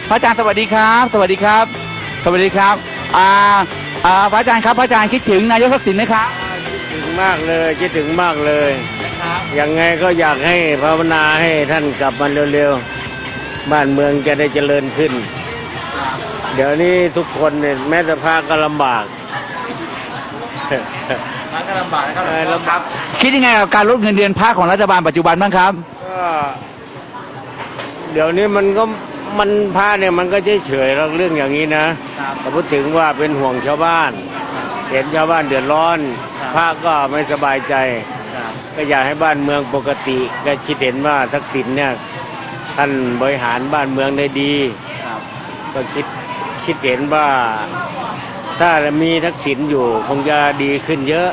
พระอาจารย์สวัสดีครับสวัสดีครับสวัสดีครับพระอาจารย์ครับพระอาจารย์คิดถึงนายกทักษิณไหมครับคิดถึงมากเลยคิดถึงมากเลยยังไงก็อยากให้ภาวนาให้ท่านกลับมาเร็วๆบ้านเมืองจะได้เจริญขึ้นเดี๋ยวนี้ทุกคนเนี่ยแม้แต่พระก็ลำบากครับคิดยังไงกับการลดเงินเดือนพระของรัฐบาลปัจจุบันบ้างครับก็เดี๋ยวนี้มันพระเนี่ยมันก็เฉยๆเรื่องอย่างนี้นะแต่พูดถึงว่าเป็นห่วงชาวบ้านเห็นชาวบ้านเดือดร้อนพระก็ไม่สบายใจก็อยากให้บ้านเมืองปกติก็คิดเห็นว่าทักษิณเนี่ยท่านบริหารบ้านเมืองได้ดีก็คิดเห็นว่าถ้ามีทักษิณอยู่คงจะดีขึ้นเยอะ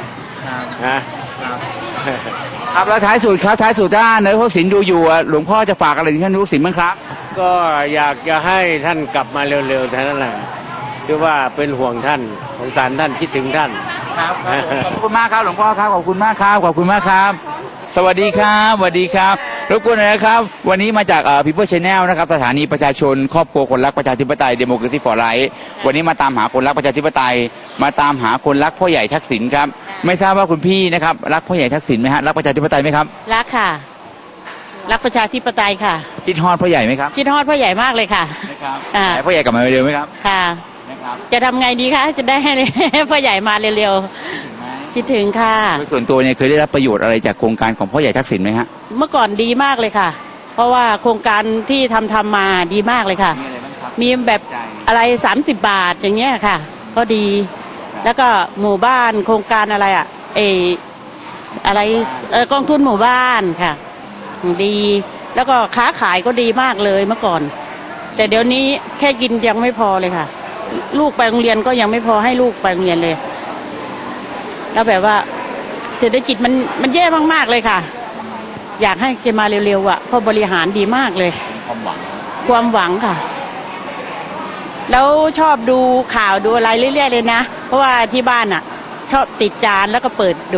นะครับแล้วท้ายสุดครับท้ายสุดถ้านายกทักษิณดูอยู่หลวงพ่อจะฝากอะไรถึงท่านนายกทักษิณบ้างครับก็อยากจะให้ท่านกลับมาเร็วๆเท่านั้นแหละคือว่าเป็นห่วงท่านสงสารท่านคิดถึงท่านครับขอบคุณมากครับหลวงพ่อครับขอบคุณมากครับขอบคุณมากครับสวัสดีครับสวัสดีครับรบกวนหน่อยนะครับวันนี้มาจากPeople Channel นะครับสถานีประชาชนครอบครัวคนรักประชาธิปไตย Democracy for Life วันนี้มาตามหาคนรักประชาธิปไตยมาตามหาคนรักพ่อใหญ่ทักษิณครับไม่ทราบว่าคุณพี่นะครับรักพ่อใหญ่ทักษิณไหมฮะรักประชาธิปไตยไหมครับรักค่ะรักประชาธิปไตยค่ะคิดฮอดพ่อใหญ่ไหมครับคิดฮอดพ่อใหญ่มากเลยค่ะนะครับพ่อใหญ่กลับมาเร็วไหมครับค่ะนะครับจะทำไงดีคะจะได้ให้พ่อใหญ่มาเร็วๆคิดถึงค่ะส่วนตัวเนี่ยเคยได้รับประโยชน์อะไรจากโครงการของพ่อใหญ่ทักษิณไหมฮะเมื่อก่อนดีมากเลยค่ะเพราะว่าโครงการที่ทำมาดีมากเลยค่ะมีแบบอะไร30 บาทอย่างเงี้ยค่ะก็ดีแล้วก็หมู่บ้านโครงการอะไรอะไรกองทุนหมู่บ้านค่ะดีแล้วก็ค้าขายก็ดีมากเลยเมื่อก่อนแต่เดี๋ยวนี้แค่กินยังไม่พอเลยค่ะลูกไปโรงเรียนก็ยังไม่พอให้ลูกไปโรงเรียนเลยแล้วแบบว่าเศรษฐกิจมันแย่มากๆเลยค่ะอยากให้แกมาเร็วๆอ่ะเพราะบริหารดีมากเลยความหวังค่ะแล้วชอบดูข่าวดูอะไรเรื่อยๆเลยนะเพราะว่าที่บ้านอ่ะชอบติดจานแล้วก็เปิดดู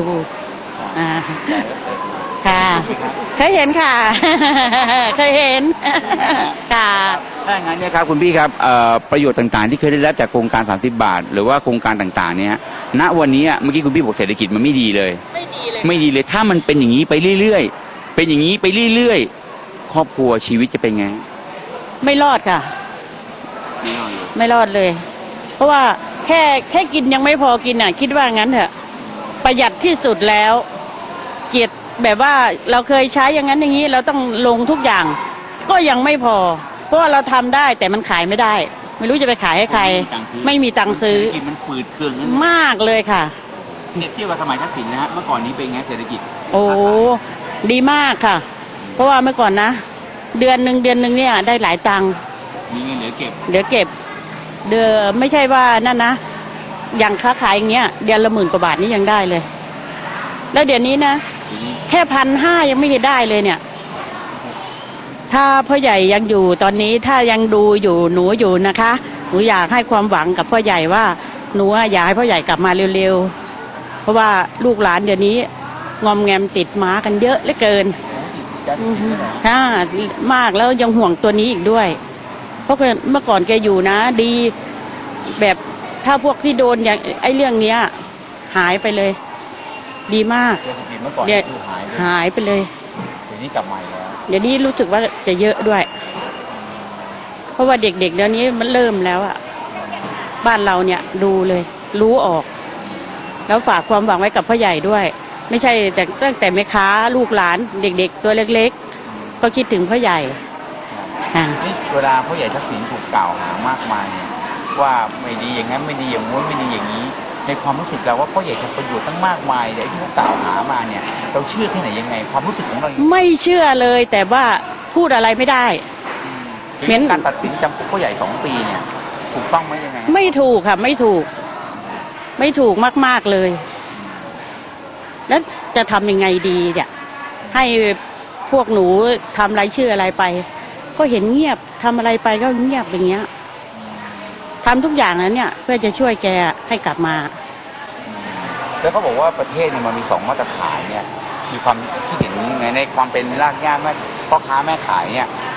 ค่ะเคยเห็นค่ะเคยเห็นค่ะถ้าอย่างนั้นเนี่ยครับคุณพี่ครับประโยชน์ต่างๆที่เคยได้รับจากโครงการ30 บาทหรือว่าโครงการต่างๆเนี่ยณวันนี้เมื่อกี้คุณพี่บอกเศรษฐกิจมันไม่ดีเลยไม่ดีเลยถ้ามันเป็นอย่างนี้ไปเรื่อยๆเป็นอย่างนี้ไปเรื่อยๆครอบครัวชีวิตจะเป็นไงไม่รอดค่ะไม่รอดเลยเพราะว่าแค่กินยังไม่พอกินอ่ะคิดว่างั้นเถอะประหยัดที่สุดแล้วเกียรติแบบว่าเราเคยใช้อย่างนั้นอย่างนี้เราต้องลงทุกอย่างก็ยังไม่พอเพราะว่าเราทำได้แต่มันขายไม่ได้ไม่รู้จะไปขายให้ใครไม่มีตังค์ซื้อมันฝืดเครื่องมากเลยค่ะเทียบกับสมัยทักษิณนะฮะเมื่อก่อนนี้เป็นไงเศรษฐกิจโอ้ดีมากค่ะเพราะว่าเมื่อก่อนนะเดือนหนึ่งเนี่ยได้หลายตังค์มีเงินเหลือเก็บเดือนไม่ใช่ว่านั่นนะอย่างค้าขายอย่างเงี้ยเดือนละ10,000 กว่าบาทนี่ยังได้เลยแล้วเดี๋ยวนี้นะแค่1,500ยังไม่ได้เลยเนี่ยถ้าพ่อใหญ่ยังอยู่ตอนนี้ถ้ายังดูอยู่หนูอยู่นะคะหนูอยากให้ความหวังกับพ่อใหญ่ว่าหนูอยากให้พ่อใหญ่กลับมาเร็วๆเพราะว่าลูกหลานเดี๋ยวนี้งอมแงมติดม้ากันเยอะเหลือเกินค่ะมากแล้วยังห่วงตัวนี้อีกด้วยเพราะเมื่อก่อนแกอยู่นะดีแบบถ้าพวกที่โดนอย่างไอ้เรื่องเนี้ยหายไปเลยดีมากเดี๋ยวหายไปเลยเดี๋ยวนี้กลับมาแล้วเดี๋ยวนี้รู้สึกว่าจะเยอะด้วยเพราะว่าเด็กๆเดี๋ยวนี้มันเริ่มแล้วอ่ะบ้านเราเนี่ยดูเลยรู้ออกแล้วฝากความหวังไว้กับพ่อใหญ่ด้วยไม่ใช่แต่ตั้งแต่แม่ค้าลูกหลานเด็กๆตัวเล็กๆก็คิดถึงพ่อใหญ่เวลาพ่อใหญ่ทักษิณถูกกล่าวหามากมายเนี่ยว่าไม่ดีอย่างนั้นไม่ดีอย่างนู้นไม่ดีอย่างนี้ในความรู้สึกเราว่าพ่อใหญ่ทำประโยชน์ตั้งมากมายแต่ที่เขากล่าวหามาเนี่ยเราเชื่อแค่ไหนยังไงความรู้สึกของเราไม่เชื่อเลยแต่ว่าพูดอะไรไม่ได้เหมือนการตัดสินจำคุกพ่อใหญ่2 ปีเนี่ยถูกต้องไหมยังไงไม่ถูกค่ะไม่ถูกมากๆเลยแล้วจะทำยังไงดีเนี่ยให้พวกหนูทำรายชื่ออะไรไปก็เห็นเงียบทำอะไรไปก็เงียบอย่างเงี้ยทำทุกอย่างนั้นเนี่ยเพื่อจะช่วยแกให้กลับมาแล้วเขาบอกว่าประเทศเนี่ยมันมี2 มาตรฐานเนี่ยมีความคิดเห็นยังไงในความเป็นรากหญ้าแม่พ่อค้าแม่ขายเนี่ย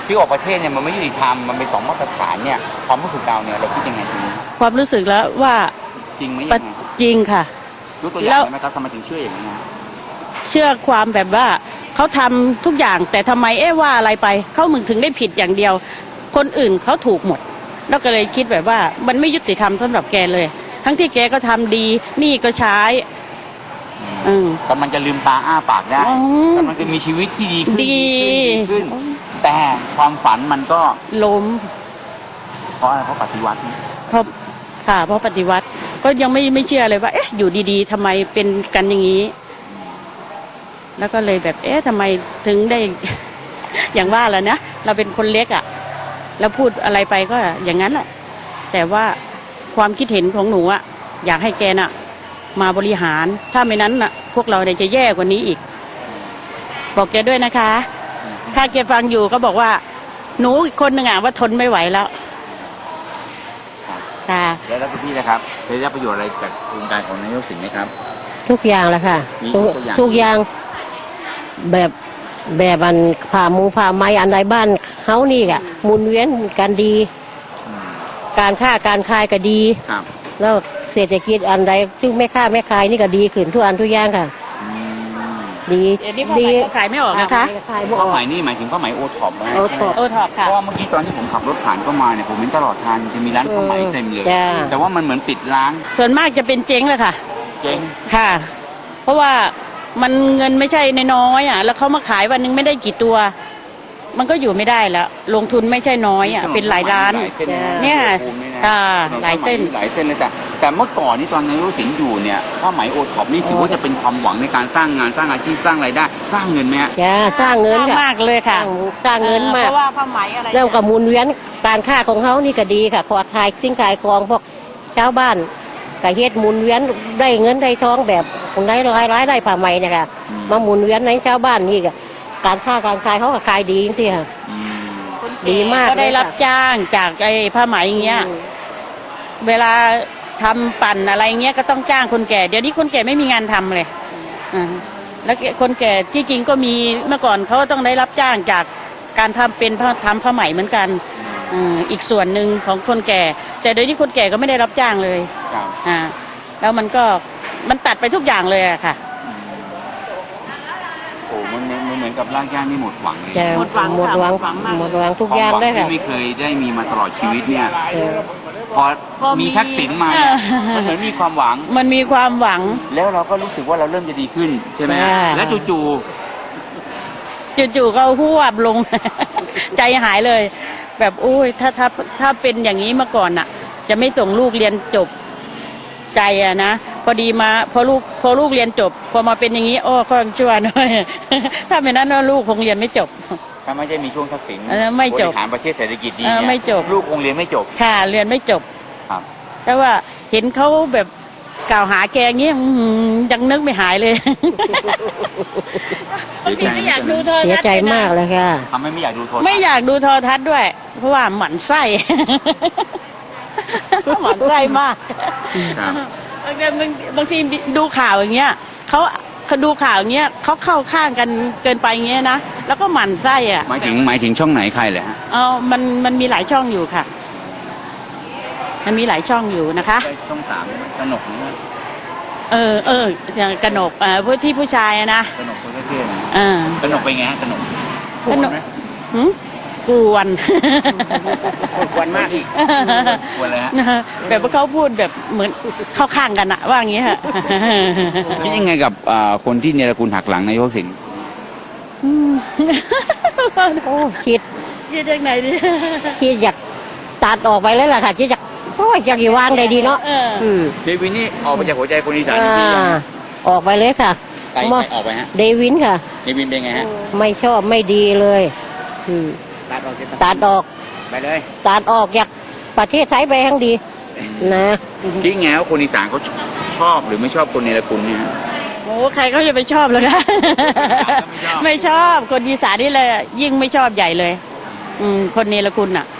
ที่ออกประเทศเนี่ยมันไม่ยุติธรรมมันเป็น2 มาตรฐานเนี่ยความรู้สึกเราเนี่ยเราคิดยังไงทีนี้ความรู้สึกแล้วว่าจริงไหมปะยังไงจริงค่ะยกตัวอย่างได้ไหมครับทำไมถึงเชื่ออย่างนี้นะเชื่อความแบบว่าเขาทำทุกอย่างแต่ทำไมว่าอะไรไปเขามึงถึงได้ผิดอย่างเดียว คนอื่นเขาถูกหมด แล้วก็เลยคิดแบบว่ามันไม่ยุติธรรมสำหรับแกเลย ทั้งที่แกก็ทำดีนี่ก็ใช้กำลังจะลืมตาอ้าปากได้อ๋อกำลังจะมีชีวิตที่ดีขึ้นดีขึ้น แต่ความฝันมันก็ล้มเพราะอะไรเพราะปฏิวัติเพราะค่ะเพราะปฏิวัติก็ยังไม่เชื่อเลยว่าเอ๊ะอยู่ดีๆทำไมเป็นกันอย่างนี้ แล้วก็เลยแบบทำไมถึงได้ อย่างว่าแหล้วนะเราเป็นคนเล็กอ่ะแล้วพูดอะไรไปก็อย่างนั้นแหละแต่ว่าความคิดเห็นของหนูอ่ะอยากให้แกน่ะ มาบริหารถ้าไม่นั้นน่ะ พวกเราเนี่ยจะแย่กว่านี้อีก บอกแกด้วยนะคะ ถ้าแกฟังอยู่ก็บอกว่า หนูอีกคนหนึ่งอ่ะว่าทนไม่ไหวแล้วค่ะแล้วคุณพี่นะครับเคยได้ประโยชน์อะไรจากโครงการของนายกสิงห์ไหมครับทุกอย่างแหละค่ะมีทุกตัวอย่างทุกอย่างแบบอันผ่าไม้อันใดบ้านเขานี่กะหมุนเวียนกันดีอืมการค้าการขายก็ดีครับแล้วเศรษฐกิจอันใดซึ่งแม่ค้าแม่ขายนี่ก็ดีขึ้นทุกอันทุกอย่างค่ะอืมดีเดี๋ยวนี้ผ้าไหมก็ขายไม่ออกนะคะขายบ่อผ้าอกไหมนี่หมายถึงผ้าไหมโอท็อปนะโอท็อปโอท็อปเพค่ะราะว่าเมื่อกี้ตอนที่ผมขับรถผ่านเข้ามาเนี่ยผมเห็นตลอดทางจะมีร้านผ้าไหมเต็มเลยจ้าแต่ว่ามันเหมือนปิดร้านส่วนมากจะเป็นเจ๊งเลยค่ะเจ๊งค่ะ เพราะว่ามันเงินไม่ใช่น้อยๆอ่ะ แล้วเขามาขายวันหนึงไม่ได้กี่ตัว มันก็อยู่ไม่ได้แล้ว ลงทุนไม่ใช่น้อยอ่ะ เป็นหลายล้านหลายเส้นนะเนี่ยภูมินี่นะค่ะถนนหลายเส้นหลายเส้นเลยแต่เมื่อก่อนนี่ตอนนายกสิงห์อยู่เนี่ยผ้าไหมโอท็อปนี่ถือว่าจะเป็นความหวังในการสร้างงานสร้างอาชีพสร้างรายได้ สร้างเงินไหมฮะจ้าสร้างเงินค่ะมากเลยค่ะสร้างเงินมากเพราะว่าผ้าไหมอะไรเริ่มกับหมุนเวียนการค้าของเขานี่ก็ดีค่ะพอขายสิ่งขายของพวกชาวบ้านก็เฮ็ดหมุนเวียนได้เงินได้ทองแบบคนได้รายได้ผ่าไหมเนี่ยค่ะมาหมุนเวียนในชาวบ้านนี่ก็การค้าการขายเขาก็ขายดีจริงๆค่ะอืมดีมากก็ได้เลยค่ะรับจ้างจากไอ้ผ้าไหมอย่างเงี้ย เวลาทำปั่นอะไรเงี้ยก็ต้องจ้างคนแก่ เดี๋ยวนี้คนแก่ไม่มีงานทำเลยแล้วคนแก่ที่จริงก็มีเมื่อก่อนเขาต้องได้รับจ้างจากการทำเป็นทำผ้าไหมเหมือนกันอีกส่วนหนึ่งของคนแก่ แต่เดี๋ยวนี้คนแก่ก็ไม่ได้รับจ้างเลยครับแล้วมันตัดไปทุกอย่างเลยอะค่ะโอ้มันเหมือนกับร่างย่างนี่หมดหวังเลยจะหมดหวังหมดหวังค่ะหมดหวังมากหมดหวังทุกอย่างเลยควมหวัค่ะที่ไม่เคยได้มีมาตลอดชีวิตเนี่ยเออพอพอมีมีทักษิณมาเนี่ยมันเหมือนมีความหวังมันมีความหวังแล้วเราก็รู้สึกว่าเราเริ่มจะดีขึ้นใช่ไหมใช่แล้วจู่จู่ๆก็หวบลง ใจหายเลย แบบโอ้ยถ้าเป็นอย่างนี้มาก่อนน่ะ จะไม่ส่งลูกเรียนจบใจอะนะพอดีมาพอลูกเรียนจบ พอมาเป็นอย่างนี้โอ้ก็ชั่วหน่อย ถ้าไม่นั้นลูกคงเรียนไม่จบๆถ้าไม่ใช่มีช่วงทักษิณไม่จบบริหารประเทศเศรษฐกิจดีไม่จบลูกคงเรียนไม่จบค่ะเรียนไม่จบครับแต่ว่าเห็นเขาแบบกล่าวหาแกอย่างนี้ยังนึกไม่หายเลย ไม่อยากดูโทรเสียทัศน์ใจมากเลยค่ะทำให้ไม่อยากดูโทรทัศน์ไม่อยากดูโทรทัศน์ด้วย เพราะว่าหมั่นไส้ หมั่นไส้มากครับบางทีดูข่าวอย่างเงี้ยเขาดูข่าวอย่างเงี้ยเขาเข้าข้างกันเกินไปอย่างเงี้ยนะแล้วก็หมั่นไส้อ่ะหมายถึงช่องไหนใครเลยฮะมันมีหลายช่องอยู่ค่ะ มันมีหลายช่องอยู่นะคะช่อง3กนกนะอย่างกนกผู้ที่ผู้ชายอะนะกนกตัวเท่ๆนะกกนกเป็นไงฮะกนกกนกหืมกวนกวนมากอีกกวนเลยฮะแบบว่าเขาพูดแบบเหมือนเข้าข้างกันอะว่าอย่างเงี้ยค่ะคิดยังไงกับคนที่เนรคุณหักหลังนายกสิงห์โอ้คิดยืดยังไงดีคิดอยากตัดออกไปเลยล่ะค่ะคิดอยากโอ้ยอยากอยู่วางได้ดีเนาะ มเดวินนี่ออกมาจากหัวใจคนอีสานจอ่าริงๆนะออกไปเลยค่ะใครออกไปฮะเดวินค่ะเดวินเป็นไงฮะไม่ชอบไม่ดีเลย อืม ตัดออกไปเลยตัดออกอยากประเทศไทยไปทั้งดี นะคิดไงว่าคนอีสานเขาชอบหรือไม่ชอบคนเนรคุณเนี่ยฮะโอ้ใครเขาจะไปชอบเลยคะ ไม่ชอบคนอีสานนี่เลยยิ่งไม่ชอบใหญ่เลย คนเนรคุณอ่ะ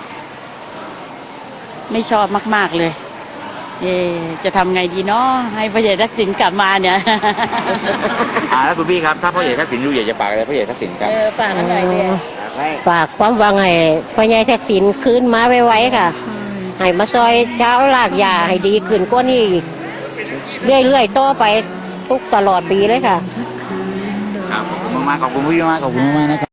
ไม่ชอบมากๆเลย จะทำไงดีเนาะให้พระเยซูทักษิณกลับมาเนี่ยแล้วคุณพี่ครับถ้าพ่อใหญ่ทักษิณดูอยากจะฝากอะไรพ่อใหญ่ทักษิณครับฝากกันหน่อยเนี่ยฝฝากความหวังให้พ่อใหญ่ทักษิณคืนมาไวๆค่ะให้มาซอยเช้าลากยาให้ดีขึ้นกว่านี้อีกเรื่อยๆต่อไปทุกตลอดปีเลยค่ะครับขอบคุณมากขอบคุณพี่มากขอบคุณมากนะครับ